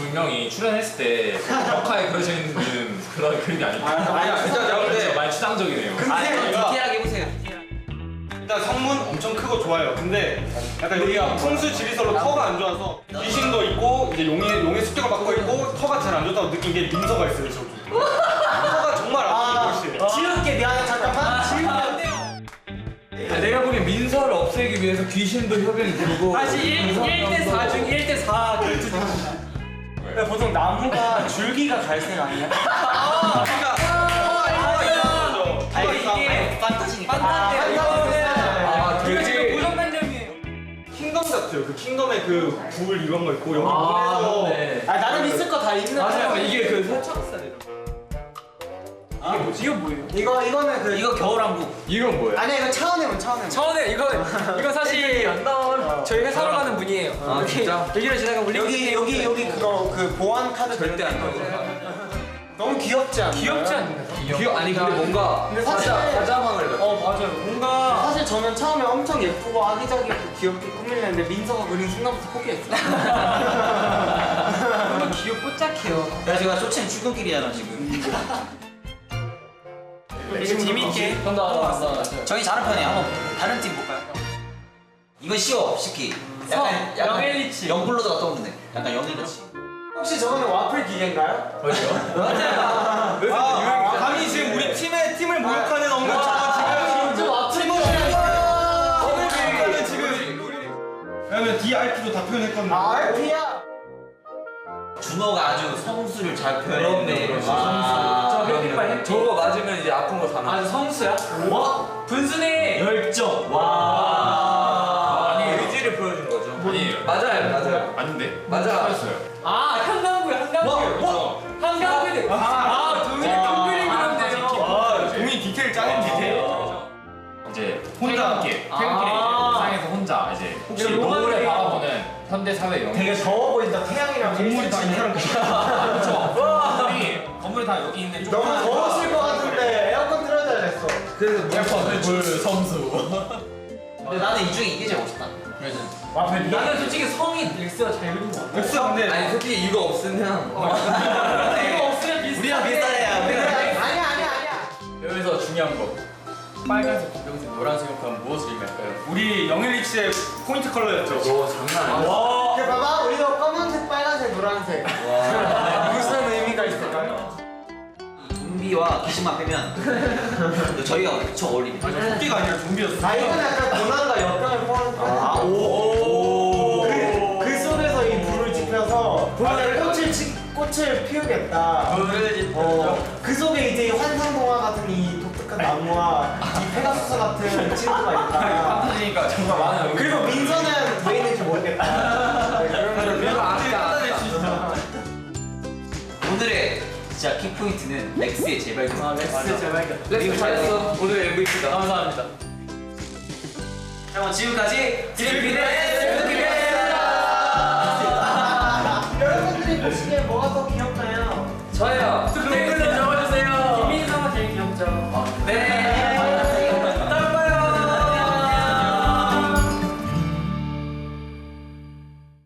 두 명이 출연했을 때 벽화에 그려져 있는 그런 그림이 아니고. 아니야, 진짜 내가 볼 때 많이 추상적이네요. 디테일하게 해보세요. 일단 성문 엄청 크고 좋아요. 근데 약간 여기가 풍수 지리설로 터가 안 좋아서 귀신도 있고 이제 용의 습격을 받고 있고 터가 잘 안 좋다고 느낀 게 민서가 있어요 저기. 터가 정말 안 좋은 곳이에요. 지울게 미안해 잠깐만. 지울게 안 돼요. 내가 보기엔 민서를 없애기 위해서 귀신도 협연이 들고. 사실 1대 4 중 1대 4 결투입니다. 보통 나무가 줄기가 갈색 아니야? 그러니까 터가 이상한 거죠. 터가 이상한 이게 판타지니까. 되게 고정관념이에요. 킹덤 같아요. 그 킹덤의 그 불 이런 거 있고 여기 문에서 네. 나름 있을 거 다 있는 맞아요. 이게 그 설정사대로. 이게 뭐지? 이거 뭐예요? 이거는 그 이거 겨울왕국. 이건 뭐예요? 아니야 이거 차원해문. 처음에 이거 사실 저희 회사로 가는 분이에요. 아, 진짜? 여기를 지나가 여기 그거 그 보안 카드 절대 안 나오죠. 너무 귀엽지 않나요? 귀엽지 않나요? 아니 근데 뭔가 근데 사실 사자망을 맞아요. 뭔가 사실 저는 처음에 엄청 예쁘고 아기자기하고 귀엽게 꾸밀랬는데 민서가 그린 순간부터 포기했어. 너무 귀엽고 짝해요. 야, 제가 쇼챔 출근길이잖아 지금. 지금 재밌게. 저희 잘한 편이에요. 한번 다른 팀 볼까요? 이건 쉬워, 쉽기. 약간 영일리치. 영블러드가 떠오르네. 약간 영일리치. 혹시 저거는 와플 기계인가요? 감히 지금 우리 팀을 모욕하는 언급처럼 지금 와플 오늘 지금 왜냐면 DRP도 다 표현했거든요. RP야. 준호가 아주 성수를 잘 표현했네. 저 햇빛발 저거 맞으면 이제 아픈 거 다 나. 성수야? 와 분순해. 열정. 아니 의지를 보여준 거죠. 아니 맞아요. 아닌데? 맞아요. 한강구요. 한강구들. 동일이 동글이 그런데요. 동이 디테일 짱인 디테일. 이제 혼자. 퇴근길에 상에서 혼자 이제 혹시 이거 로망이에요. 노을을 바라보는 현대 사회 영향. 되게 더워 보인다. 태양이랑 동물이 다 이사람 건물이 다 여기 있는데 좀 너무 더우실 것 같은데 에어컨 틀어줘야 됐어. 에어컨 불 섬수. 근데 나는 이 중에 이게 제일 멋있다. 나는 솔직히 성이 넥스가 잘 그린 것 같아. 엑스 근데 아니 솔직히 이거 없으면 이거 없으면 비슷해. 우리랑 비슷하네요. 아니야. 여기서 중요한 거. 빨간색, 분홍색, 노란색을 하면 무엇을 의미할까요? 우리 영일리치의 포인트 컬러였죠. 장난 아니야. 그 봐봐 우리도 검은색, 빨간색, 노란색. 무슨 의미가 있을까요? 좀비와 귀신만 빼면 저희가 엄청 어울리네. 토끼가 아니라 좀비였어. 이건 약간 고난과 역경을 포함한 그 속에서 이 불을 지펴서 꽃을 피우겠다. 그 속에 이제 환상동화 같은 이 독특한 나무와 이 페가수스 같은 친구가 있다. 판타지니까 정말 많은 그리고 민서는 왜 있는지 모르겠다. 오늘의 진짜 키포인트는 렉스의 재발견. 렉스 제발. 렉스 잘했어. 오늘의 MVP다. 감사합니다. 자, 지금까지 드림비네 여러분들이 보시기에 뭐가 더 귀엽나요? 저예요.